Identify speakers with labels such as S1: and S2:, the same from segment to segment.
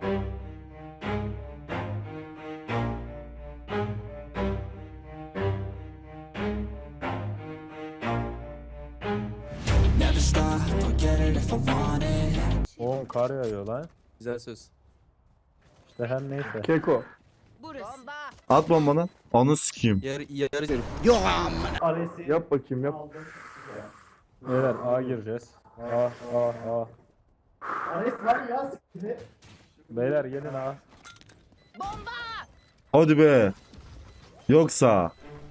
S1: Never stop, I'll get it if I want it.
S2: Oğlum kar yağıyor lan.
S3: Güzel söz.
S2: İşte her neyse.
S4: Keko.
S5: At bombanı. Onu sikeyim.
S3: Yarı
S4: Yap bakayım yap.
S2: Beyler A gireceğiz. A. Beyler gelin A.
S5: Hadi be. Yoksa.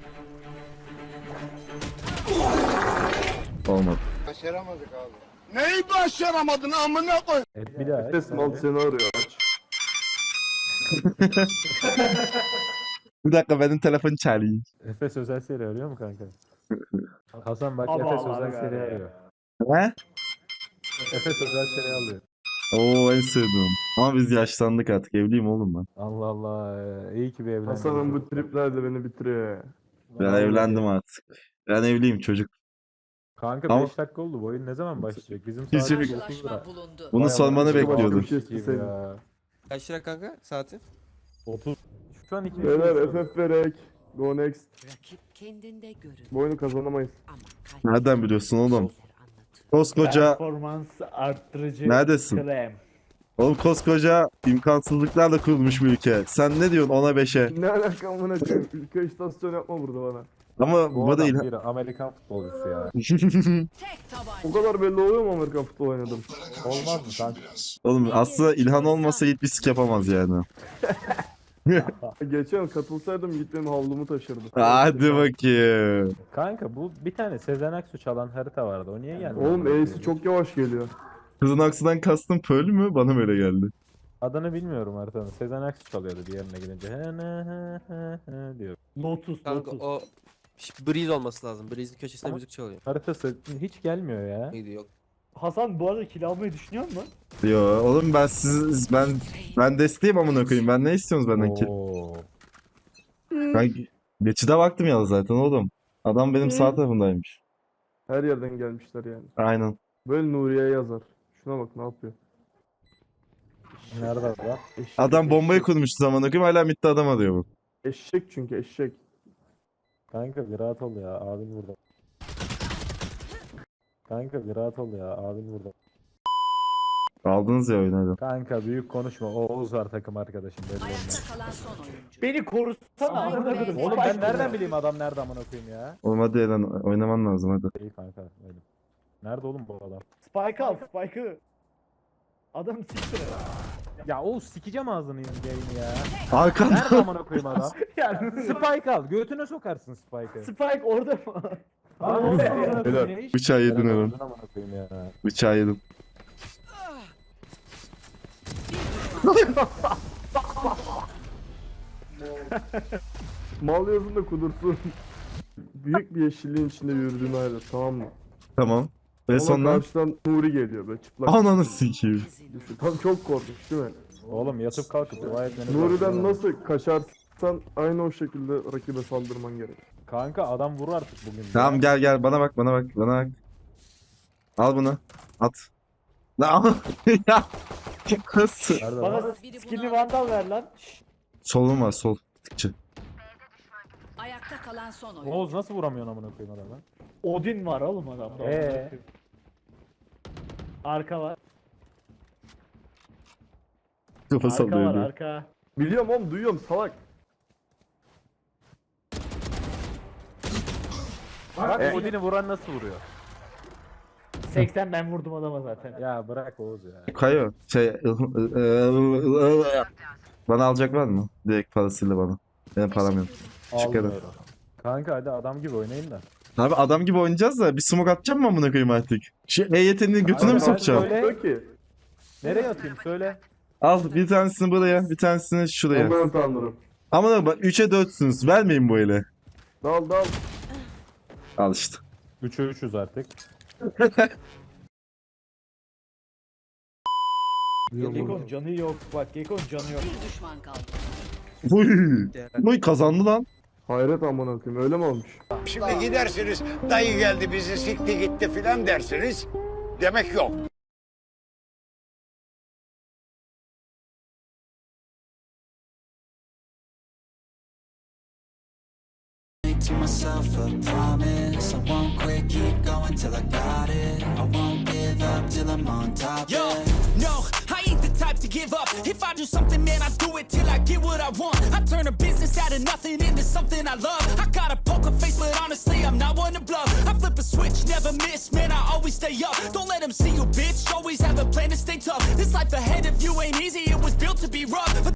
S5: Olmadı.
S6: Başaramadık abi.
S2: Evet bir daha.
S4: Efes mal seni arıyor aç.
S5: Bir dakika benim telefon çalayım.
S2: Efes özel seri arıyor mu kanka? Hasan bak
S7: Allah
S2: Efes
S7: Allah
S2: özel seri arıyor.
S5: He?
S2: Efes özel seri alıyor.
S5: Oo en sevdiğim. Ama biz yaşlandık artık. Evliyim oğlum ben.
S2: Allah Allah. İyi ki bir evlendim.
S4: Hasan'ın bu tripler de beni bitiriyor ya.
S5: Ben evlendim artık. Ben evliyim çocuk.
S2: Kanka
S5: Ama-
S2: 5 dakika oldu. Bu oyun ne zaman başlayacak? Bizim
S5: Hiçbir-
S2: saatimiz 9 lira.
S5: Bunu
S2: Vay
S5: sormanı
S2: Allah,
S5: bekliyordum.
S4: Bir şey
S2: gibi
S4: isteseydim.
S2: ya.
S3: Kaç lira kanka saati?
S2: 30. Şu an 2
S4: Beyler FF verek. Go next.
S8: Rakip kendinde görün
S4: Bu oyunu kazanamayız.
S8: ama
S5: Nereden biliyorsun oğlum? Koskoca
S7: Performans arttırıcı
S5: Neredesin?
S7: krem.
S5: oğlum koskoca imkansızlıklarla kurulmuş bir ülke. Sen ne diyorsun 10'a 5'e?
S4: Ne alaka amına koyayım? Ülke istasyon yapma burada bana.
S5: Ama
S2: Bu
S5: bu
S2: adam
S5: değil.
S2: bir Amerikan futbolcusu ya.
S8: tek tabanca.
S4: O kadar belli oluyor mu Amerikan futbol oynadım?
S2: Olmaz mı kanka?
S5: Oğlum aslında İlhan olmasa hiçbir sik yapamaz yani.
S4: Geçen katılsaydım git benim havlumu taşırdı.
S5: Hadi bakayım.
S2: Kanka bu bir tane Sezen Aksu çalan harita vardı. O niye geldi?
S4: Oğlum E'si çok yavaş geliyor.
S5: Kızın aksından kastın Pearl mü? Bana böyle geldi.
S2: Adını bilmiyorum haritanın. Sezen Aksu çalıyordu bir yerine gidince. He diyor.
S7: Lotus,
S3: Kanka
S7: Lotus.
S3: o Breeze olması lazım. Breeze'in köşesinde müzik çalıyor.
S2: Haritası hiç gelmiyor ya.
S3: Neydi yok.
S7: Hasan bu arada kilo almayı düşünüyor musun?
S5: Yo oğlum ben desteğim amına koyayım. Ben ne istiyorsunuz benden ki?
S2: Oo.
S5: Ben geçide baktım ya zaten oğlum. Adam benim sağ tarafındaymış.
S4: Her yerden gelmişler yani.
S5: Aynen.
S4: Böyle Nuriye yazar. Şuna bak ne yapıyor.
S2: Nerede adam?
S4: Eşek,
S5: Adam bombayı
S4: eşek.
S5: kurmuştu zaman koyayım hala midde adam arıyor bu.
S4: Eşek çünkü eşek.
S2: Kanka bir rahat ol ya. Abin burada. Kanka bir rahat ol ya. Abin burada.
S5: Aldınız ya oyunu hadi.
S2: Kanka büyük konuşma. O Oğuz var takım arkadaşım. Belli olmaz.
S8: Ayakta kalan son oyuncu.
S7: Beni korusana.
S8: Ay,
S7: amına
S8: be.
S7: koydum.
S2: Oğlum ben
S7: Spike
S2: nereden
S7: bu.
S2: bileyim adam nerede amına koyayım ya?
S5: Oğlum hadi lan oynaman lazım hadi.
S2: İyi kanka. Öyle. Nerede oğlum bu adam?
S7: Spike al, Spike'ı. Adam siktir.
S2: Ya Oğuz sikeceğim ağzını yayını ya.
S5: Arkanda.
S2: Nerede amına koyayım adam?
S7: Yani
S2: Spike al. Götüne sokarsın Spike'ı.
S7: Spike orada mı?
S2: Lan Oğuz amına koyayım ya.
S5: Bıçağı yedin
S2: Nerede
S5: oğlum.
S2: öldün amına koyayım ya.
S5: Bıçağı yedim.
S4: Mal yazın da kudursun. Büyük bir yeşilliğin içinde yürüdüğünü hayal et, tamam mı?
S5: Tamam. Ve
S4: Ama
S5: sonra
S4: karşıdan Nuri geliyor böyle çıplak.
S5: ananı sikeyim.
S4: Düşün. Tam çok korkmuş değil mi?
S2: Oğlum yatıp kalkıp dua etmeniz
S4: Nuri'den
S2: lazım.
S4: nasıl kaçarsan aynı o şekilde rakibe saldırman gerek.
S2: Kanka adam vurur artık bugün.
S5: Tamam gel bana bak bana bak. Al bunu. At. Lan ya. Nasıl?
S2: Nerede
S7: Bana
S2: lan?
S7: skinli vandal ver lan. Şşş.
S5: Solum var sol. Tıkçı.
S8: Ayakta kalan son oyuncu.
S2: Oğuz nasıl vuramıyorsun amına koyayım adamı?
S7: Odin var oğlum adamda. Arka var.
S5: Kafa
S7: Arka var
S5: sallıyor. bir.
S7: arka.
S4: Biliyorum oğlum duyuyorum salak.
S2: Bak Odin'i vuran nasıl vuruyor?
S7: 80 ben vurdum adama zaten.
S2: Ya bırak Oğuz ya.
S5: Kayo. Bana alacak var mı? Direkt parasıyla bana. Benim param yok. Teşekkür ederim.
S2: Almıyorum. Kanka hadi adam gibi oynayın da.
S5: Abi adam gibi oynayacağız da bir smoke atacağım mı amına koyayım artık? Şu EYT'nin götüne mi
S2: Kanka,
S5: sokacağım?
S2: söyle.
S4: Diyor ki
S2: Nereye atayım söyle.
S5: Al bir tanesini buraya, bir tanesini şuraya.
S4: aman tanrım.
S5: Ama bak 3'e 4'sünüz. Vermeyin bu ele.
S4: Dal dal.
S5: Al işte.
S2: 3'e 3'üz artık.
S7: Gekon canı yok bak Gekon canı yok.
S8: Bir düşman kaldı.
S5: Uy. Uy kazandı lan.
S4: Hayret aman koyayım öyle mi olmuş?
S6: Şimdi gidersiniz dayı geldi bizi sikti gitti filan dersiniz. Demek yok.
S1: to myself a promise. I won't quit, keep going till I got it. I won't give up till I'm on top.
S9: Yo,
S1: yeah.
S9: no, I ain't the type to give up. If I do something, man, I do it till I get what I want. I turn a business out of nothing into something I love. I got a poker face, but honestly, I'm not one to bluff. I flip a switch, never miss, man, I always stay up. Don't let them see you, bitch, always have a plan to stay tough. This life ahead of you ain't easy, it was built to be rough.